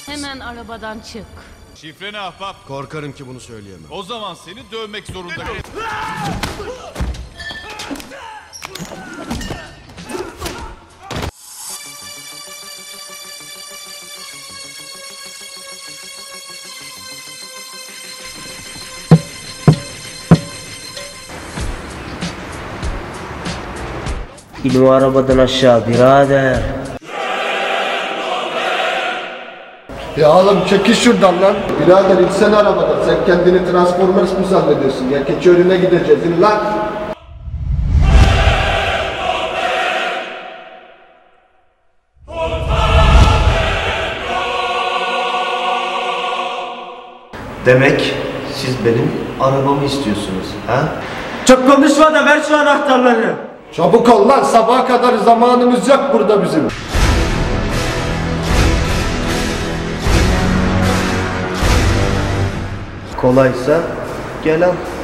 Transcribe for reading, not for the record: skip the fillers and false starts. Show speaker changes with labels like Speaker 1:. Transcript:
Speaker 1: Hemen arabadan çık.
Speaker 2: Şifre ne ahbap?
Speaker 3: Korkarım ki bunu söyleyemem.
Speaker 2: O zaman seni dövmek zorundayım.
Speaker 4: İn o arabadan aşağı birader.
Speaker 3: Ya oğlum çekil şuradan lan. Birader insene arabadan. Sen kendini Transformers mı zannediyorsun? Ya Keçiören'e gideceğiz in lan.
Speaker 4: Demek siz benim arabamı istiyorsunuz ha? Çok konuşma da ver şu anahtarları.
Speaker 3: Çabuk ol lan, sabaha kadar zamanımız yok burada bizim.
Speaker 4: Kolaysa gel al.